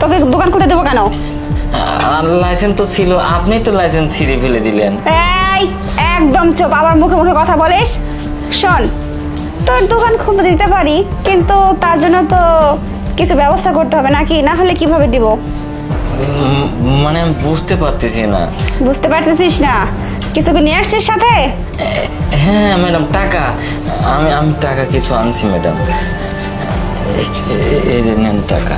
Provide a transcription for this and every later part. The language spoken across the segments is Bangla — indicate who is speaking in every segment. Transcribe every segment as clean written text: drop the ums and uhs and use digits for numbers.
Speaker 1: তোকে দোকান খুলতে দেবো কেন?
Speaker 2: লাইসেন্স তো ছিল, আপনি তো লাইসেন্স ছিঁড়ে ফেলে দিলেন।
Speaker 1: এই একদম চুপ, আবার মুখে মুখে কথা বলিস। শোন, তোর দোকান খুলতে দিতে পারি, কিন্তু তার জন্য তো কিছু ব্যবস্থা করতে হবে নাকি, না হলে কিভাবে দিব?
Speaker 2: মানে আমি বুঝতে পারতেছি না।
Speaker 1: বুঝতে পারতেছিস না? কিছু কি নিয়ে আসছিস সাথে?
Speaker 2: হ্যাঁ ম্যাডাম, টাকা আমি টাকা কিছু আনছি ম্যাডাম। এই যে নেন টাকা।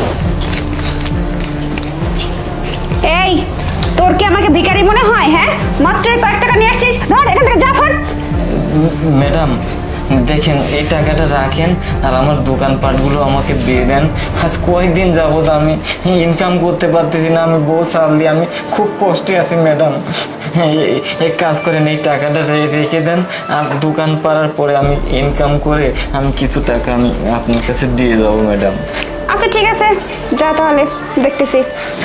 Speaker 1: এই, তোর কি আমাকে ভিখারি মনে হয়? হ্যাঁ, মাত্র কয়েক টাকা নিয়ে আসছিস, ধর এখান থেকে যা ফট।
Speaker 2: ম্যাডাম দেখেন, এই টাকাটা রাখেন আর আমার দোকানপাটগুলো আমাকে দিয়ে দেন। আজ কয়েকদিন যাবত আমি ইনকাম করতে পারতেছি না, আমি বউ চাললি, আমি খুব কষ্টে আছি ম্যাডাম। এক কাজ করেন, এই টাকাটা রেখে দেন, আর দোকান পাড়ার পরে আমি ইনকাম করে আমি কিছু টাকা আমি আপনার কাছে দিয়ে যাবো ম্যাডাম।
Speaker 1: আচ্ছা ঠিক আছে, যা তাহলে, দেখতেছি।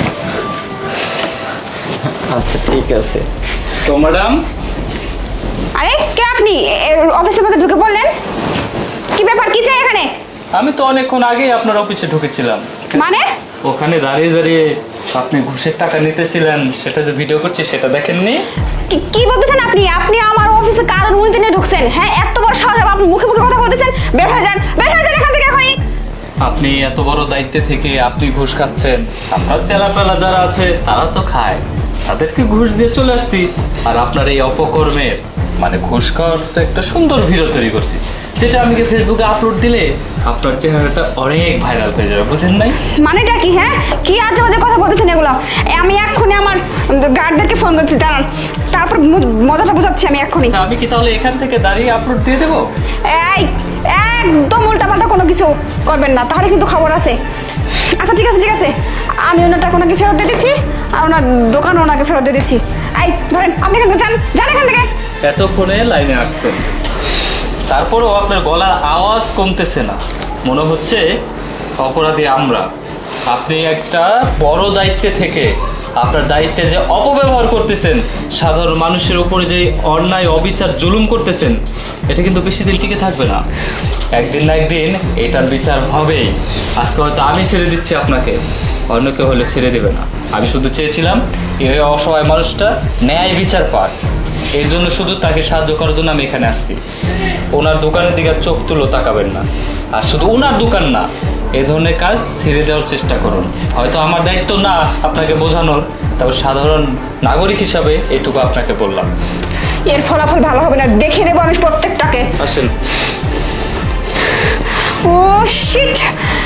Speaker 2: আচ্ছা ঠিক আছে।
Speaker 3: তো ম্যাডাম,
Speaker 1: আরে কে আপনি? অফিসের মধ্যে ঢুকে পড়লেন, কি ব্যাপার, কি চাই এখানে?
Speaker 3: আমি তো অনেকক্ষণ আগেই আপনার অফিসে ঢুকেছিলাম।
Speaker 1: মানে?
Speaker 3: ওখানে দাঁড়িয়ে দাঁড়িয়ে আপনি ঘুষের টাকা নিতেছিলেন, সেটা যে ভিডিও করছি সেটা দেখেননি?
Speaker 1: কি বলতেছেন আপনি? আপনি আমার অফিসে কার অনুমতি নিয়ে ঢুকছেন? হ্যাঁ, এত বড় সাহস, আপনি মুখে মুখে কথা বলতেছেন? বের হয়ে যান, বের হয়ে যান এখান থেকে এখনই।
Speaker 3: আপনি এত বড় দায়িত্বে থেকে আপনি ঘুষ খাচ্ছেন, আপনার চেলাপেলা যারা আছে তারা তো খায়, তাদেরকে ঘুষ দিয়ে চলে আসছি। আর আপনার এই অপকর্মের মানে ঘুষ খাওয়ার তো একটা সুন্দর ভিডিও তৈরি করছি, যেটা আমি ফেসবুকে আপলোড দিলে আপনার চেহারাটা অনেক ভাইরাল হয়ে যাবে, বুঝেন নাই?
Speaker 1: মানেটা কি? হ্যাঁ, কি আজে বাজে কথা বলতেছেন এগুলো? আমি এক্ষুনি আমার গার্ডদেরকে ফোন করছি, দাঁড়ান, তারপর মজাটা বোঝাচ্ছি আমি এক্ষুনি।
Speaker 3: আচ্ছা, আমি কি তাহলে এখান থেকে দাঁড়িয়ে আপলোড দিয়ে দেবো?
Speaker 1: এই, একদম উল্টাপাল্টা কোনো কিছু করবেন না, তাহলে কিন্তু খবর আছে। আচ্ছা ঠিক আছে ঠিক আছে, আমি ওনার টাকা ওনাকে ফেরত দিয়ে দিচ্ছি, আর ওনার দোকান ওনাকে ফেরত দিয়ে দিচ্ছি। এই ধরেন, আপনি এখান থেকে যান, যান এখান থেকে।
Speaker 3: এতক্ষণে লাইনে আসছেন, তারপরেও আপনার গলার আওয়াজ কমতেছে না, মনে হচ্ছে অপরাধী আমরা। আপনি একটা বড় দায়িত্বে থেকে আপনার দায়িত্বে যে অপব্যবহার করতেছেন, সাধারণ মানুষের উপরে যে অন্যায় অবিচার জুলুম করতেছেন, এটা কিন্তু বেশি দিন টিকে থাকবে না। একদিন না একদিন এটার বিচার হবেই। আজকে হয়তো আমি ছেড়ে দিচ্ছি আপনাকে, অন্য কেউ হলে ছেড়ে দেবে না। আমি শুধু চেয়েছিলাম এই অসহায় মানুষটা ন্যায় বিচার পাক, এই জন্য শুধু তাকে সাহায্য করার জন্য আমি এখানে আসছি। ওনার দোকানের দিকে চোখ তুলো তাকাবেন না, আর শুধু ওনার দোকান না, এই ধরনের কাজ ছেড়ে দেওয়ার চেষ্টা করুন। হয়তো আমার দায়িত্ব না আপনাকে বোঝানোর, তবে সাধারণ নাগরিক হিসাবে এটুকু আপনাকে বললাম।
Speaker 1: এর ফলাফল ভালো হবে না, দেখিয়ে দেবো আমি প্রত্যেকটাকে।
Speaker 3: আসেন।
Speaker 1: ও শিট,